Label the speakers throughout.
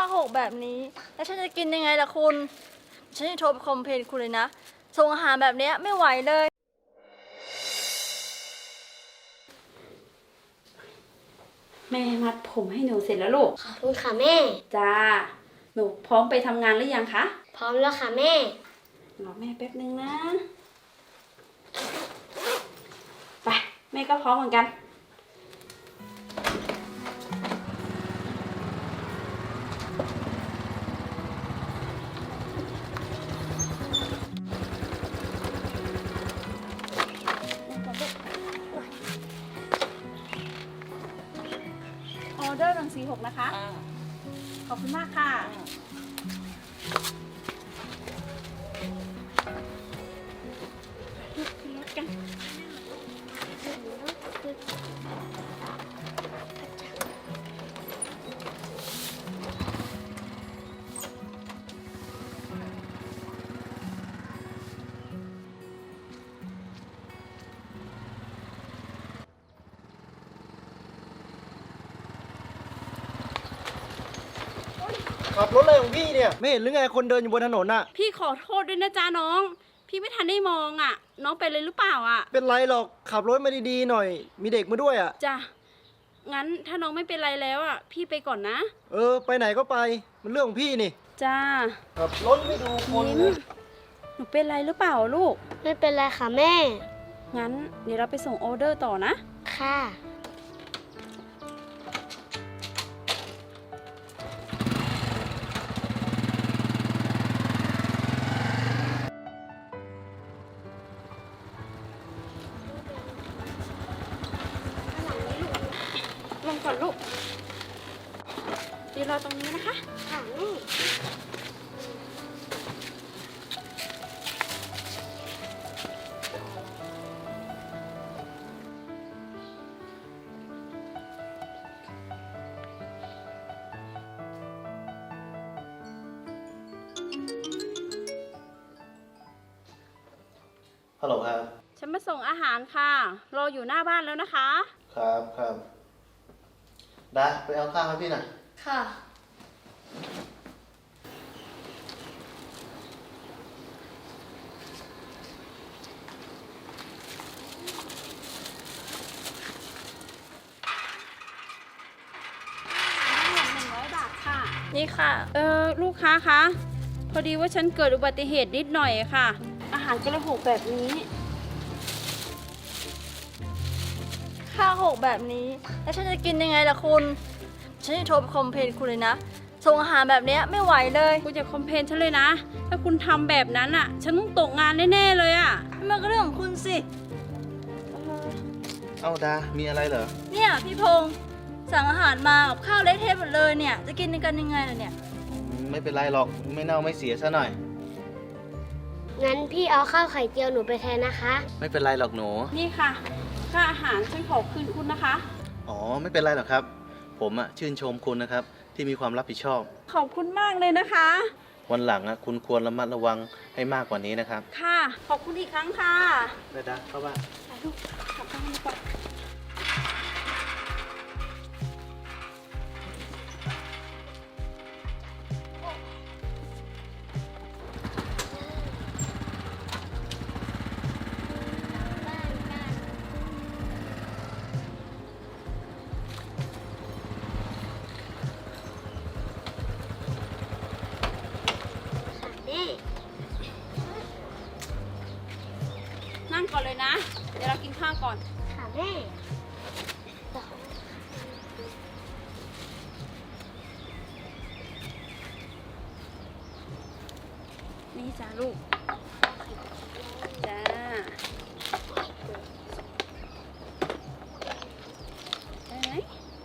Speaker 1: หกแบบนี้แล้วฉันจะกินยังไงล่ะคุณฉันจะโทรไปคอมเพลนคุณเลยนะส่งอาหารแบบนี้ไม่ไหวเลย
Speaker 2: แม่มัดผมให้หนูเสร็จแล้วลูก
Speaker 3: ขอบคุณค่ะแม่
Speaker 2: จ้าหนูพร้อมไปทำงานหรือยังคะ
Speaker 3: พร้อมแล้วค่ะแม่
Speaker 2: รอแม่แป๊บนึงนะไปแม่ก็พร้อมเหมือนกันออเดอร์146นะคะขอบคุณมากค่ะขึ้นรถกัน
Speaker 4: ขับรถอะไรของพี่เนี่ยไม่เห็นหรือไงคนเดินอยู่บนถนนน่ะ
Speaker 2: พี่ขอโทษด้วยนะจ๊ะน้องพี่ไม่ทันได้มองอ่ะน้องเป็นเลยหรือเปล่าอ่ะ
Speaker 4: เป็นไรหรอกขับรถมาดีๆหน่อยมีเด็กมาด้วยอ่ะ
Speaker 2: จ้ะงั้นถ้าน้องไม่เป็นไรแล้วอ่ะพี่ไปก่อนนะ
Speaker 4: ไปไหนก็ไปมันเรื่องของพี่นี่
Speaker 2: จ้า
Speaker 4: ขับรถไม่ดูคน
Speaker 2: ยิ้มหนูเป็นไรหรือเปล่าลูก
Speaker 3: ไม่เป็นไรค่ะแม่
Speaker 2: งั้นเดี๋ยวเราไปส่งออเดอร์ต่อนะ
Speaker 3: ค่ะ
Speaker 2: ลงก่อนลูกดีรอตรงนี้นะคะ
Speaker 3: ค่ะแม่
Speaker 4: ฮัลโหลครับ
Speaker 2: ฉันมาส่งอาหารค่ะรออยู่หน้าบ้านแล้วนะคะ
Speaker 4: ครับดาไปเอาข้าวให้พี่หน่อย
Speaker 1: ค่ะ
Speaker 2: 100 บาทค่ะ
Speaker 1: นี่ค่ะ
Speaker 2: ลูกค้าคะพอดีว่าฉันเกิดอุบัติเหตุนิดหน่อยค่ะอาหารกระหกแบบนี้
Speaker 1: ค่าหกแบบนี้แล้วฉันจะกินยังไงล่ะคุณฉันจะโทรไปคอมเพลนคุณเลยนะส่งอาหารแบบนี้ไม่ไหวเลย
Speaker 2: คุณอย่าคอมเพลนฉันเลยนะถ้าคุณทำแบบนั้นอ่ะฉันต้องตกงานแน่ๆเลยอ่ะ
Speaker 1: มันก็เรื่องของคุณสิ
Speaker 4: เอาดามีอะไรเหรอ
Speaker 1: เนี่ยพี่พงษ์สั่งอาหารมากับข้าวเละเทะหมดเลยเนี่ยจะกินกันยังไงล่ะเนี่ย
Speaker 4: ไม่เป็นไรหรอกไม่เน่าไม่เสียซะหน่อย
Speaker 3: งั้นพี่เอาข้าวไข่เจียวหนูไปแทนนะคะ
Speaker 4: ไม่เป็นไรหรอกหนู
Speaker 2: นี่ค่ะค่าอาหารฉันขอคืนคุณนะคะ
Speaker 4: ไม่เป็นไรหรอกครับผมชื่นชมคุณนะครับที่มีความรับผิดชอบ
Speaker 2: ขอบคุณมากเลยนะคะ
Speaker 4: วันหลังคุณควรระมัดระวังให้มากกว่านี้นะครับ
Speaker 2: ค่ะขอบคุณอีกครั้งค่ะ
Speaker 4: ได้ดาเข้าบ้าน
Speaker 2: ไปลูกกลับบ้านดีกว่า
Speaker 3: แม่
Speaker 2: นั่งก่อนเลยนะเดี๋ยวเรากินข้าวก่อน
Speaker 3: ค่ะแม่
Speaker 2: นี่จ้าลูกจ้าได้ไหม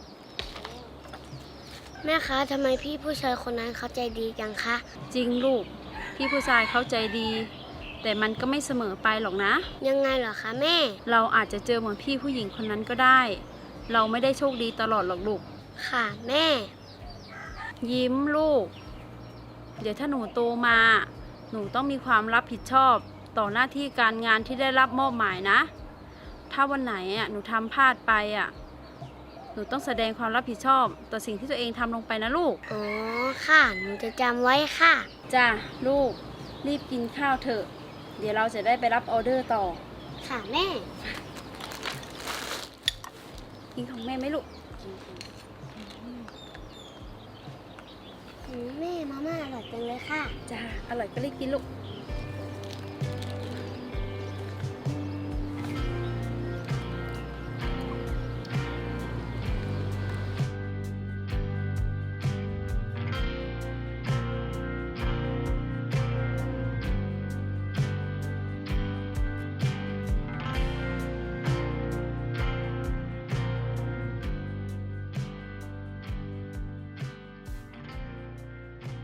Speaker 3: แม่คะทำไมพี่ผู้ชายคนนั้นเขาใจดีจังคะ
Speaker 2: จริงลูกพี่ผู้ชายเขาใจดีแต่มันก็ไม่เสมอไปหรอกนะ
Speaker 3: ยังไงเหรอคะแม่
Speaker 2: เราอาจจะเจอเหมือนพี่ผู้หญิงคนนั้นก็ได้ เราไม่ได้โชคดีตลอดหรอกลูก
Speaker 3: ค่ะแม่
Speaker 2: ยิ้มลูกเดี๋ยวถ้าหนูโตมาหนูต้องมีความรับผิดชอบต่อหน้าที่การงานที่ได้รับมอบหมายนะถ้าวันไหนหนูทำพลาดไปหนูต้องแสดงความรับผิดชอบต่อสิ่งที่ตัวเองทำลงไปนะลูก
Speaker 3: อ๋อ ค่ะ หนูจะจำไว้ค่ะ
Speaker 2: จ้ะลูก รีบกินข้าวเถอะ เดี๋ยวเราจะได้ไปรับออเดอร์ต่อ
Speaker 3: ค่ะแม่
Speaker 2: กินของแม่ไหมลูก
Speaker 3: แม่มาม่าอร่อยจังเลยค่ะ
Speaker 2: จ้า อร่อยก็รีบกินลูก